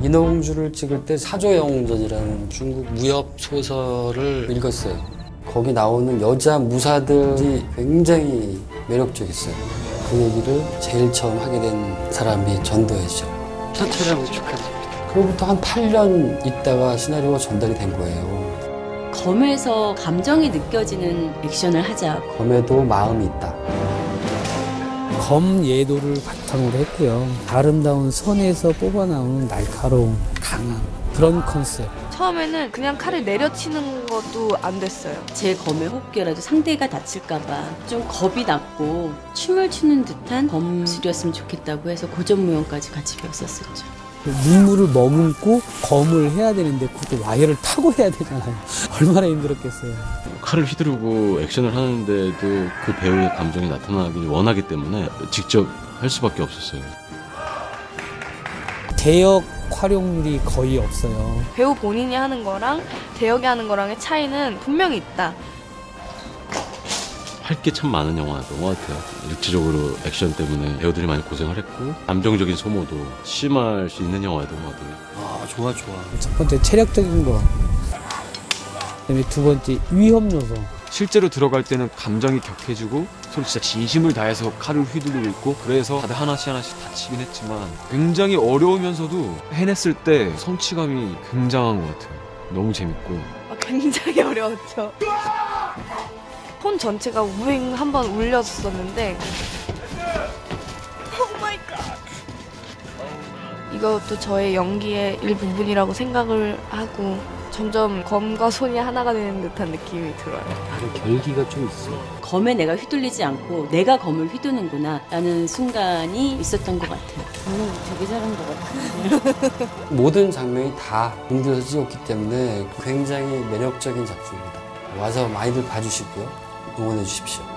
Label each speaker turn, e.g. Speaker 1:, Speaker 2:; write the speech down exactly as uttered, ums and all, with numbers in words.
Speaker 1: 인어공주를 찍을 때 사조영웅전이라는 중국 무협 소설을 읽었어요. 거기 나오는 여자 무사들이 굉장히 매력적이었어요. 그 얘기를 제일 처음 하게 된 사람이 전도연이죠.
Speaker 2: 첫 촬영을 축하드립니다.
Speaker 1: 그로부터 한 팔 년 있다가 시나리오가 전달이 된 거예요.
Speaker 3: 검에서 감정이 느껴지는 액션을 하자.
Speaker 1: 검에도 마음이 있다.
Speaker 4: 검 예도를 바탕으로 했고요. 아름다운 선에서 뽑아나오는 날카로운 강한 그런 컨셉.
Speaker 5: 처음에는 그냥 칼을 내려치는 것도 안 됐어요.
Speaker 3: 제 검의 호흡기라도 상대가 다칠까봐 좀 겁이 났고 춤을 추는 듯한 검술이었으면 좋겠다고 해서 고전무용까지 같이 배웠었죠.
Speaker 4: 눈물을 머금고 검을 해야 되는데 그것도 와이어를 타고 해야 되잖아요. 얼마나 힘들었겠어요.
Speaker 6: 칼을 휘두르고 액션을 하는데도 그 배우의 감정이 나타나길 원하기 때문에 직접 할 수밖에 없었어요.
Speaker 4: 대역 활용률이 거의 없어요.
Speaker 5: 배우 본인이 하는 거랑 대역이 하는 거랑의 차이는 분명히 있다.
Speaker 6: 할 게 참 많은 영화였던 것 같아요. 일차적으로 액션 때문에 배우들이 많이 고생을 했고 감정적인 소모도 심할 수 있는 영화였던 것 같아요.
Speaker 1: 아, 좋아 좋아.
Speaker 4: 첫 번째 체력적인 거. 그다음에 두 번째 위험 요소.
Speaker 2: 실제로 들어갈 때는 감정이 격해지고 서로 진짜 진심을 다해서 칼을 휘두르고 있고 그래서 다들 하나씩 하나씩 다치긴 했지만 굉장히 어려우면서도 해냈을 때 성취감이 굉장한 것 같아요. 너무 재밌고.
Speaker 5: 아, 굉장히 어려웠죠. 폰 전체가 우잉 한번 울렸었는데 오 마이 갓. 이것도 저의 연기의 일부분이라고 생각을 하고 점점 검과 손이 하나가 되는 듯한 느낌이 들어요.
Speaker 1: 결기가 좀 있어.
Speaker 3: 검에 내가 휘둘리지 않고 내가 검을 휘두는구나 라는 순간이 있었던 것 같아요. 오늘 되게 잘한 것 같아요.
Speaker 1: 모든 장면이 다 공들여서 찍었기 때문에 굉장히 매력적인 작품입니다. 와서 많이들 봐주시고요. 응원해 주십시오.